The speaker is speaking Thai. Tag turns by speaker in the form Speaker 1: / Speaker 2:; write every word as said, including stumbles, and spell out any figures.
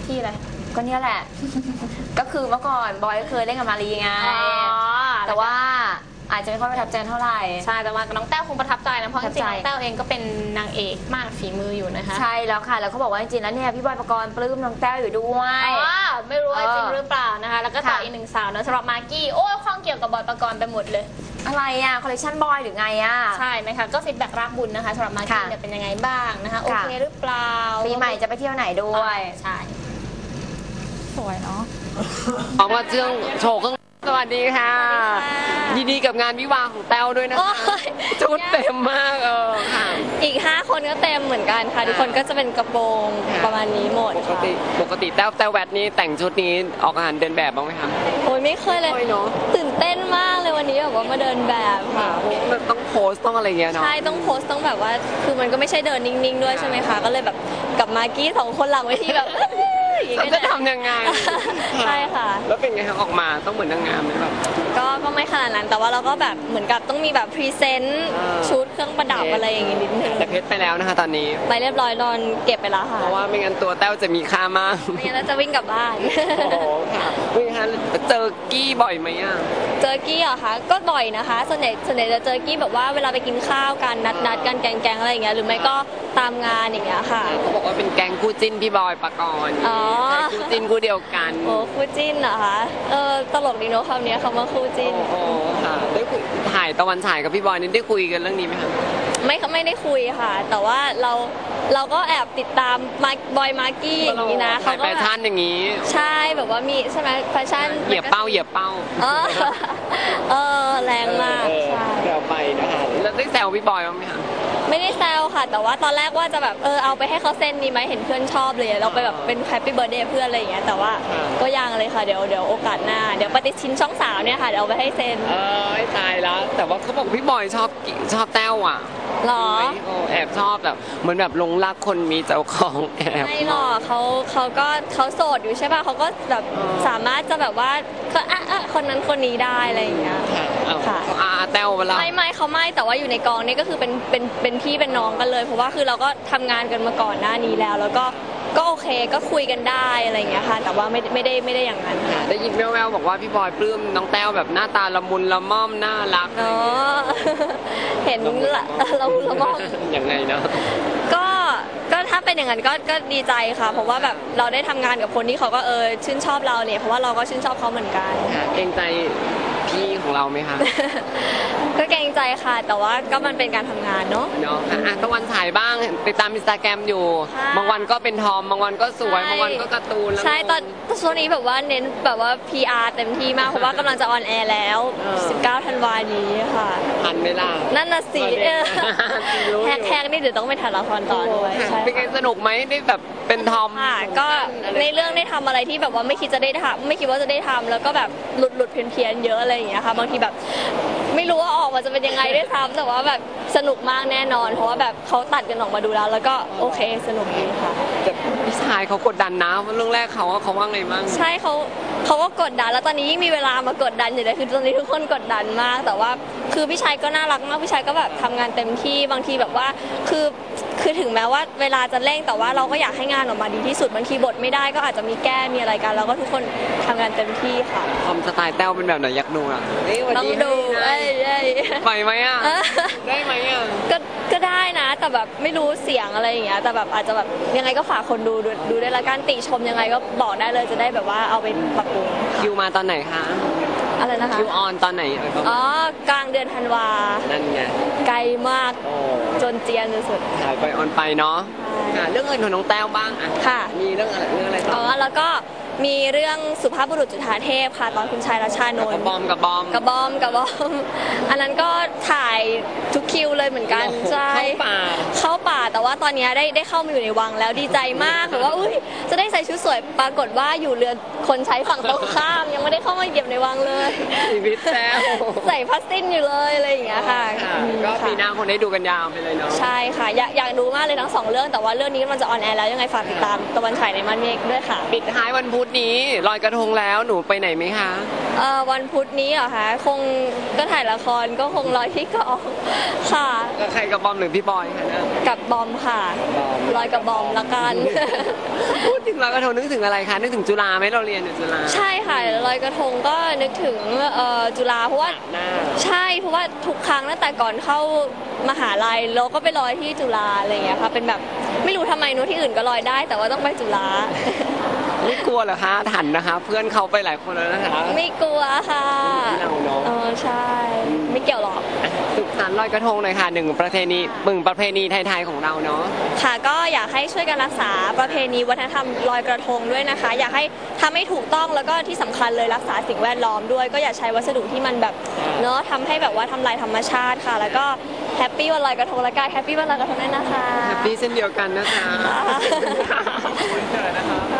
Speaker 1: กี้อะไร
Speaker 2: ก็เนี่ยแหละ ก็คือเมื่อก่อนบอยเคยเล่นกับมารีไงแต่ว่าอาจจะไม่ค่อยประทับใจเท่าไหร่
Speaker 1: ใช่แต่ว่าน้องแต้วคงประทับใจนะเพราะจริงๆน้องแต้วเองก็เป็นนางเอกมากฝีมืออยู่นะคะ
Speaker 2: ใช่แล้วค่ะแล้วเขาบอกว่าจริงๆแล้วเนี่ยพี่บอยปกรณ์ปลื้มน้องแต้วอยู่ด้วย
Speaker 1: อ๋อไม่รู้ว่าจริงหรือเปล่านะคะแล้วก็ต่ออีกหนึ่งสาวนะสำหรับมากกี้โอ้ยข้องเกี่ยวกับบอยปกรณ์ไปหมดเลย
Speaker 2: อะไรอ่ะคอลเลคชันบอยหรือไงอ่ะ
Speaker 1: ใช่นะคะก็ฟีดแบ็กรักบุญนะคะสำหรับมากกี้เนี่ยเป็นยังไงบ้างนะคะโอเคหรือเปล่า
Speaker 2: ปีใหม่จะไปเที่ยวไหนด้วย
Speaker 1: ใช่สวยเนาะ
Speaker 3: ออกมาเชื่องโชว์เครื่องสวัสดีค่ะยินดีกับงานวิวาของแต้วด้วยนะคะชุดเต็มมากเออค่ะ
Speaker 1: อีกห้าคนก็เต็มเหมือนกันค่ะทุกคนก็จะเป็นกระโปรงประมาณนี้หมด
Speaker 3: ปกติปกติแต้วแต้วแวดนี้แต่งชุดนี้ออกงานเดินแบบบ้างไหมคะ
Speaker 1: โอ้ยไม่เคยเลยตื่นเต้นมากเลยวันนี้แบบว่ามาเดินแบบค่ะ
Speaker 3: ต้องโพสต้องอะไรเงี้ยเนาะ
Speaker 1: ใช่ต้องโพสต้องแบบว่าคือมันก็ไม่ใช่เดินนิ่งๆด้วยใช่ไหมคะก็เลยแบบกับมากกี้สองคนหลังเวทีแบบ
Speaker 3: จะทำยังไง
Speaker 1: ใช่ค่ะ
Speaker 3: แล้วเป็นไงคะออกมาต้องเหมือนนางงามไหมแบบ
Speaker 1: ก็ก็ไม่ขนาดนั้นแต่ว่าเราก็แบบเหมือนกับต้องมีแบบพรีเซนต์ชุดเครื่องประดับอะไรอย่างงี้นิดนึง
Speaker 3: แต่เพชรไปแล้วนะคะตอนนี้
Speaker 1: ไปเรียบร้อยนอนเก็บไปแล้วค่ะ
Speaker 3: เพราะว่าไม่งั้นตัวแต้วจะมีค่ามาก
Speaker 1: ไม่งั้นจะวิ่งกลับบ้าน
Speaker 3: โอ้ค่ะวิ่งคะเจอกี้บ่อยไหมอ่ะ
Speaker 1: เจอกี้เหรอคะก็บ่อยนะคะส่วนใหญ่ส่วนใหญ่จะเจอกี้แบบว่าเวลาไปกินข้าวกันนัดนัดกันแกงๆอะไรอย่างเงี้ยหรือไม่ก็ตามงานอย่างเงี้ยค่ะ
Speaker 3: เขาบอกว่าเป็นแกงคู่จิ้นพี่บอยปกรณ์
Speaker 1: อ๋อ
Speaker 3: คู่จิ้นคู่เดียวกัน
Speaker 1: โอ้คู่จิ้นเหรอคะเออตลกดีเนาะคำนี้คำว่าคู่จิ้น
Speaker 3: โอ้ค่ะได้คุยถ่ายตะวันฉายกับพี่บอยนี่ได้คุยกันเรื่องนี้ไหมคะ
Speaker 1: ไม่ไม่ได้คุยค่ะแต่ว่าเราเราก็แอบติดตามมาบอยมาร์กี้อย่างนี้นะ
Speaker 3: เขาก็แฟชั่นอย่างนี้
Speaker 1: ใช่แบบว่ามีใช่ไหมแฟชั่น
Speaker 3: เหยียบเป้าเหยียบเป้า
Speaker 1: เออแรงมากใช่
Speaker 3: แซวไปนะคะแล้วได้แซวพี่บอยบ้างไหมคะ
Speaker 1: ไม่ได้แซวค่ะแต่ว่าตอนแรกว่าจะแบบเออเอาไปให้เขาเซ็นดีไหมเห็นเพื่อนชอบเลยเราไปแบบเป็นแฮปปี้เบิร์ดเดย์เพื่อนอะไรอย่างเงี้ยแต่ว่าก็ยังเลยค่ะเดี๋ยวเดี๋ยวโอกาสหน้าเดี๋ยวปฏิทินช่องสาวเนี่ยค่ะเดี๋ยวเอาไปให้เซ็น
Speaker 3: เออตายแล้วแต่ว่าเขาบอกพี่บอยชอบชอบแต้วอ่ะ
Speaker 1: หรอ
Speaker 3: แอบชอบแบบเหมือนแบบหลงรักคนมีเจ้าของแอบ
Speaker 1: ไม่หรอกเขาเขาก็เขาโสดอยู่ใช่ป่ะเขาก็แบบสามารถจะแบบว่าก็อ่ะอ่ะคนนั้นคนนี้ได้อะไรอย่างเงี้ย
Speaker 3: ค่ะอาแต้วเวลา
Speaker 1: ไม่ไม่เขาไม่แต่ว่าอยู่ในกองนี่ก็คือเป็นเป็นเป็นพี่เป็นน้องกันเลยเพราะว่าคือเราก็ทำงานกันมาก่อนหน้านี้แล้วแล้วก็ก็โอเคก็คุยกันได้อะไรอย่างเงี้ยค่ะแต่ว่าไม่ไม่ได้ไม่ได้อย่างนั้นค่ะ
Speaker 3: ได้ยินแว่วๆบอกว่าพี่บอยปลื้มน้องแต้วแบบหน้าตาละมุนละม่อมน่ารัก
Speaker 1: เนาะเห็นละละมุนละม่อม
Speaker 3: ยังไงนะ
Speaker 1: ก็ก็ถ้าเป็นอย่างนั้นก็ก็ดีใจค่ะเพราะว่าแบบเราได้ทำงานกับคนที่เขาก็เออชื่นชอบเราเนี่ยเพราะว่าเราก็ชื่นชอบเขาเหมือนกัน
Speaker 3: เกรงใจพี่ของเราไหมคะ
Speaker 1: ก็เกรงใจค่ะแต่ว่าก็มันเป็นการทำงานเนาะ
Speaker 3: เนาะอ่ะตะวันฉายบ้างติดตามอินสตาแกรมอยู่บางวันก็เป็นทอมบางวันก็สวยบางวันก็การ์ตูน
Speaker 1: ใช่ตอนช่วงนี้แบบว่าเน้นแบบว่า พี อาร์ เต็มที่มากเพราะว่ากำลังจะออนแอร์แล้วสิบเก้าธันวาคมนี้ค่ะ
Speaker 3: ทันไหมล่ะ
Speaker 1: นั่นน่ะสิแฮกแฮกนี่เดี๋ยวต้องไปถ่ายละครต่อด้วย
Speaker 3: เป็นไงสนุกไหมได้แบบเป็นทอม
Speaker 1: ค่ะก็ในเรื่องได้ทำอะไรที่แบบว่าไม่คิดจะได้ทำไม่คิดว่าจะได้ทำแล้วก็แบบหลุดหลุดเพี้ยนเพี้ยนเยอะอะไรอย่างเงี้ยค่ะบางทีแบบไม่รู้ว่าออกมาจะเป็นยังไงได้ทำแต่ว่าแบบสนุกมากแน่นอนเพราะว่าแบบเขาตัดกันออกมาดูแล้วแล้วก็โอเคสนุกดีค่ะ
Speaker 3: แต่พี่ชายเขากดดันนะเรื่องแรกเขาเขาว่าไงบ้าง
Speaker 1: ใช่เขาเขาก็กดดันแล้วตอนนี้ยิ่งมีเวลามากดดันอยู่เลยคือตอนนี้ทุกคนกดดันมากแต่ว่าคือพี่ชายก็น่ารักมากพี่ชายก็แบบทำงานเต็มที่บางทีแบบว่าคือคือถึงแม้ว่าเวลาจะเร่งแต่ว่าเราก็อยากให้งานออกมาดีที่สุดบางทีบทไม่ได้ก็อาจจะมีแก้มีอะไรกันแล้วก็ทุกคนทำงานเต็มที่ค่ะ
Speaker 3: ทำสไตล์แต้วเป็นแบบไหนอยากดูอ่ะ
Speaker 1: ต้องดูเอ้ย
Speaker 3: ไปไหมอ่ะได้ไหมอ่ะ
Speaker 1: ก็ก็ได้นะแต่แบบไม่รู้เสียงอะไรอย่างเงี้ยแต่แบบอาจจะแบบยังไงก็ฝากคนดูดูได้ละกันติชมยังไงก็บอกได้เลยจะได้แบบว่าเอาไปปรับปรุง
Speaker 3: คิวมาตอนไหนคะ
Speaker 1: อะไรนะคะ
Speaker 3: คิวออนตอนไหน
Speaker 1: อ๋อกลางเดือนธันวา
Speaker 3: นั่นไง
Speaker 1: ไกลมากจนเจียนสุด
Speaker 3: ถ่ายไปออนไปเนาะเรื่องอื่นของน้องแต้วบ้างอ่ะ
Speaker 1: ค่ะ
Speaker 3: มีเรื่องอะไรเรื่องอะไรต่อ
Speaker 1: อ๋อแล้วก็มีเรื่องสุภาพบุรุษจุฑาเทพค่ะตอนคุณชายรัชชานนท์
Speaker 3: กับบอมกับบอม
Speaker 1: กับบอมกับบอมอันนั้นก็ถ่ายทุกคิวเลยเหมือนกันใช่
Speaker 3: เข้าป่า
Speaker 1: เข้าป่าแต่ว่าตอนนี้ได้ได้เข้ามาอยู่ในวังแล้วดีใจมากแบบว่าอุ้ยจะได้ใส่ชุดสวยปรากฏว่าอยู่เรือคนใช้ฝั่งตรงข้ามยังไม่ได้เข้ามาเหยียบในวังเลย
Speaker 3: ชีวิตแต้ว
Speaker 1: ใส่พัสติ้นอยู่เลยอะไรอย่างเงี้ยค่ะ
Speaker 3: ก็ปีหน้าคนได้ดูกันยาวไปเลยเนาะ
Speaker 1: ใช่ค่ะอยากอยากดูมากเลยทั้งสองเรื่องแต่ว่าเรื่องนี้มันจะออนแอร์แล้วยังไงฝากติดตามตะวันฉายในม่านเมฆด้วยค่ะ
Speaker 3: ปิดท้ายวันพุธธนี้ลอยกระทงแล้วหนูไปไหนไหมคะ
Speaker 1: เอ่อวันพุธนี้เหรอคะคงก็ถ่ายละครก็คงลอยที่กองค่ะ
Speaker 3: กับใครกับบอมหรือพี่บอยคะเนี่ย
Speaker 1: กับบอมค่ะลอยกับบอมละกัน
Speaker 3: พูดถึงลอยกระทงนึกถึงอะไรคะนึกถึงจุฬาไหมเราเรียนอยู่จุฬา
Speaker 1: ใช่ค่ะลอยกระทงก็นึกถึงเอ่อจุฬาเพราะว่า
Speaker 3: หน้า
Speaker 1: ใช่เพราะว่าทุกครั้งตั้งแต่ก่อนเข้ามหาลัยเราก็ไปลอยที่จุฬาอะไรอย่างเงี้ยค่ะเป็นแบบไม่รู้ทำไมนู้นที่อื่นก็ลอยได้ แต่ว่าต้องไปจุฬา
Speaker 3: ไม่กลัวเหรอคะทันนะคะ เพื่อนเขาไปหลายคนแล้วนะคะ
Speaker 1: ไม่กลัวค่ะ
Speaker 3: ที่เราเนาะ
Speaker 1: เออใช่ไม่เกี่ยวหรอก
Speaker 3: สุขสันต์ลอยกระทงหน่อยค่ะหนึ่งประเพณีหนึ่งประเพณีไทยๆของเราเนาะ
Speaker 1: ค่ะก็อยากให้ช่วยกันรักษาประเพณีวัฒนธรรมลอยกระทงด้วยนะคะ อยากให้ทำให้ถูกต้องแล้วก็ที่สำคัญเลยรักษาสิ่งแวดล้อมด้วย ก็อย่าใช้วัสดุที่มันแบบเนาะทำให้แบบว่าทำลายธรรมชาติค่ะ แล้วก็แฮปปี้วันลอยกระทงและกายแฮปปี้วันลอยกระทงด้วยนะคะ
Speaker 3: แฮปปี้เช่นเดียวกันนะคะ
Speaker 1: ค่ะ